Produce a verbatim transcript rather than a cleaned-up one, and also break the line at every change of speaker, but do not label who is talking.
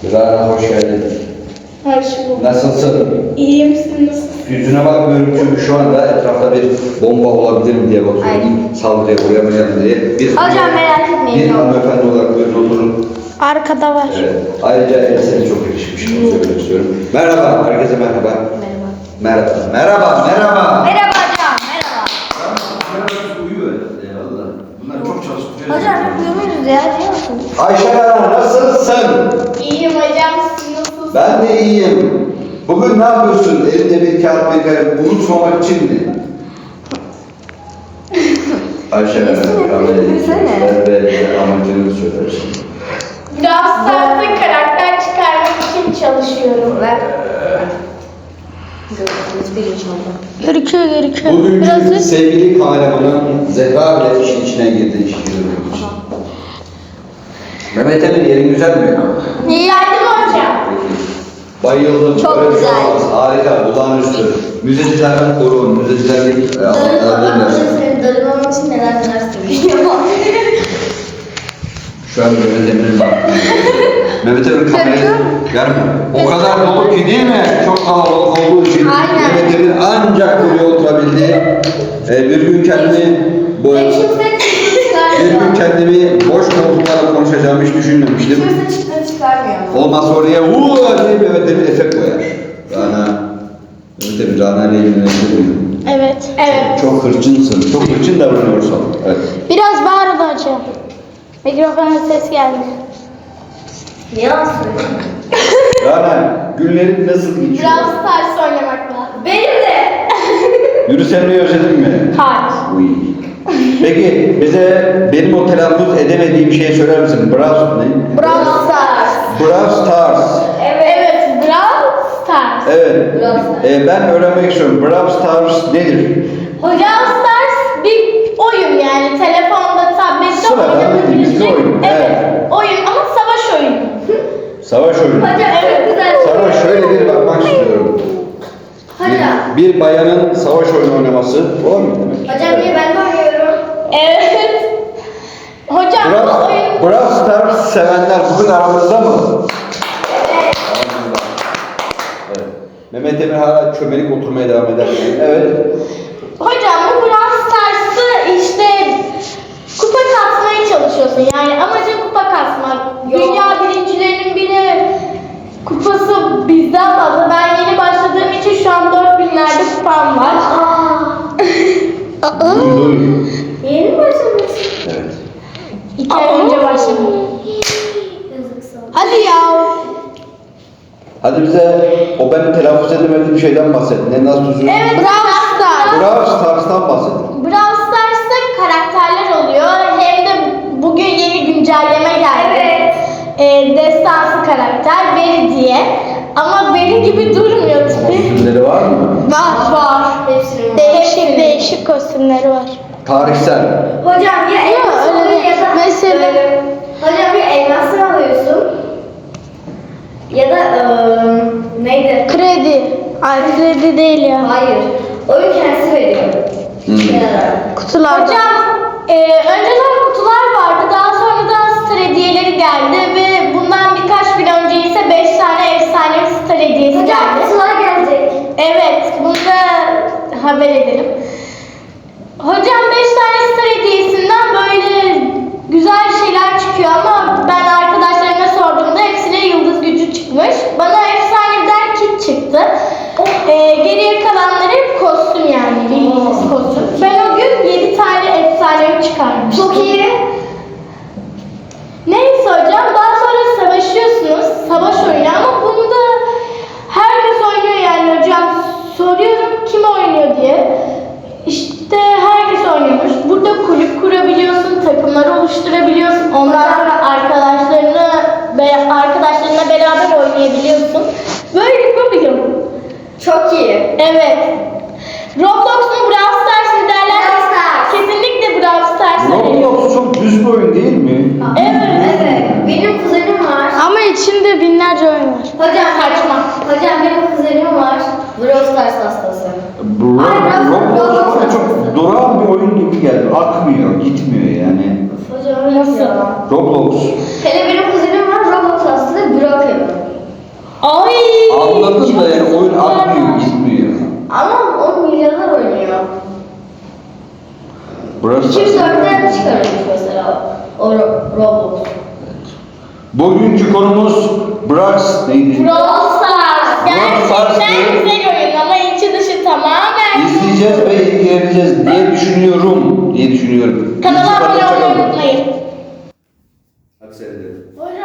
Rana hoş geldin.
Hoş bulduk.
Nasılsın?
İyi misin? Nasılsın?
Yüzüne bakmıyorum çünkü şu anda etrafta bir bomba olabilir mi diye bakıyorum. Saldırıya uğramayalım diye. Bir,
Hocam merak etmeyin.
Bir hanımefendi olarak buyurun oturun.
Arkada var.
Evet. Ayrıca elbiseniz çok yakışmış. Onu söylemek istiyorum. Merhaba. Herkese merhaba.
Merhaba.
Merhaba. Merhaba. Merhaba.
Merhaba hocam. Merhaba.
Uyuyor ya Allah. Bunlar çok çalışıyor.
Hocam hep uyumuyoruz ya. Biliyor musun?
Ayşe Hanım nasılsın?
İyiyim hocam. Siz nasılsınız?
Ben de iyiyim. Bugün ne yapıyorsun? Elinde bir kağıt bir kalem unutmamak için mi? Ayşe Hanım, kahve ve amacını söylersin.
Biraz saatte karakter çıkarmak için çalışıyorum ben. Gerekiyor gerekiyor.
Bugünkü sevgili kameramanın Zehra bile işin içine girdi iş yürümek için. Mehmet Emin yerin güzel mi?
İyi yardım hocam.
Bayıldım.
Çok
Böyle bir şey
güzel.
olmaz. Harika, olağanüstü. Müzecilerden korun, müzecilerlik e, alanlardan versin.
Darılmam için neler neler söylüyorum.
Şu an Mehmet Emin'in bak. Mehmet Emin kamerayı verme. O kadar dolu ki değil mi? Çok kalabalık olduğu için
Aynen.
Mehmet Emin ancak buraya oturabildi. Ee, bir gün kendimi bu bir gün kendimi boş koltuklarla konuşacağımı hiç düşünmemiştim.
Kimse çıktığını çıkarmıyor.
Olmazsa oraya uuu diye Mehmet Emin efekt koyar. Rana, Mehmet Emin Rana ile ilgilenir.
Evet. Evet.
Çok hırçınsın, çok hırçın davranıyorsun. Evet.
Biraz bağırın hocam. Mikrofona ses geldi. Yalan söylüyorum.
Rana, günlerin nasıl geçiyor?
Biraz ters oynamakla. Benim de.
Yürüsenmeyi özledin mi?
Hayır.
Uy. Peki bize benim o telaffuz edemediğim şeyi söyler misin? Brawl ne?
Brawl Stars.
Brawl Stars.
Evet. Evet. Brawl Stars.
Evet.
Brawl Stars.
Ee, ben öğrenmek istiyorum. Brawl Stars nedir?
Brawl Stars bir oyun yani telefonda, tablette
Sıradan
oynanabilecek.
bir oyun,
Evet.
evet.
Oyun ama savaş oyunu.
Savaş oyunu.
Hocam evet güzel.
Sana şöyle bir bakmak istiyorum.
Hocam.
Bir, bir bayanın savaş oyunu oynaması. O mu demek?
Hocam niye ben de oynuyorum? Evet. Hocam bu
Brawl,
oyun.
Brawl Stars sevenler bugün aramızda mı?
Evet.
Aramızda. Evet. Mehmet Emir hala çömelik oturmaya devam eder. Evet.
Hocam bu Brawl Stars'ı işte kupa kasmaya çalışıyorsun. Yani amacın kupa kasmak. Dünya birincilerinin bile kupası bizden fazla. Ben yeni başladığım için şu an dört binlerde kupam var.
Duy, duy.
Yeni mi başladın?
Evet.
İki ay önce başladım. Hadi ya.
Hadi bize o benim telaffuz edemediğim şeyden bahset. Ne nasıl düzgün?
Evet, Brawl Stars.
Brawl Stars'tan bahset.
Brawl Stars'ta karakterler oluyor. Hem de bugün yeni güncelleme geldi. Evet. Ee, destansı karakter Beri diye. Ama Beri gibi durmuyor tipi.
Kostümleri var mı?
Var var. Hepsinin değişik değişik kostümleri var.
Tarihsel.
Hocam ya elmas
öyle
oluyor
değil.
ya da
Mesela-
böyle, hocam ya elmasını alıyorsun ya da eee neydi?
Kredi. Ay kredi değil ya.
Hayır. Oyun kendisi veriyor.
Hmm.
Kenara.
Kutular. Hocam e, önceden kutular vardı. Daha sonradan star hediyeleri geldi ve bundan birkaç gün önce ise beş tane efsane star hediyesi
Hocam
geldi.
kutular gelecek.
Evet, bunu da haber edelim. Hocam beş tane star hediyesinden böyle güzel şeyler çıkıyor ama ben arkadaşlarıma sorduğumda hepsine yıldız gücü çıkmış. Bana efsaneden kit çıktı. Ee, geriye kalanları hep kostüm yani, bildiğiniz kostüm. Ben o gün yedi tane efsanevi çıkarmıştım.
Çok iyi.
Neyse hocam, daha sonra savaşıyorsunuz. Savaş oyunu ama bunu da herkes oynuyor yani hocam. Soruyorum kim oynuyor diye. İşte herkes oynuyormuş. Burada kulüp kurabiliyorsun, takımlar oluşturabiliyorsun. Ondan sonra arkadaşlarını be- arkadaşlarına beraber oynayabiliyorsun. Böyle bir oyun.
Çok iyi.
Evet. Roblox mu Brawl Stars mı derler?
Brawl Stars.
Kesinlikle Brawl Stars'a veriyorum.
Roblox çok düz bir oyun değil mi?
Evet.
Evet. Benim kuzenim var.
Ama içinde binlerce oyun var.
Hocam
Saçma.
Hocam benim kuzenim var. Brawl Stars hastası.
Bro,
Ay, Roblox-
Roblox
Roblox
bana çok durağan bir oyun gibi geldi. Akmıyor, gitmiyor yani.
Hocam nasıl?
Roblox.
Hele benim kuzenim var. Roblox hastası. Broken.
Brawl
iki yüz
Stars.
dörtten çıkarılmış mesela o Ro- Roblox.
Bugünkü konumuz Brawl neydi?
Brawl Stars.
Brawl Stars
Gerçekten
mı?
güzel oyun ama içi dışı tamamen.
İzleyeceğiz ve ilgileneceğiz diye düşünüyorum. diye düşünüyorum.
Kanala
İlk
abone
çıkartacak
olmayı
olduk.
unutmayın.
Hadi seyredelim.
Hocam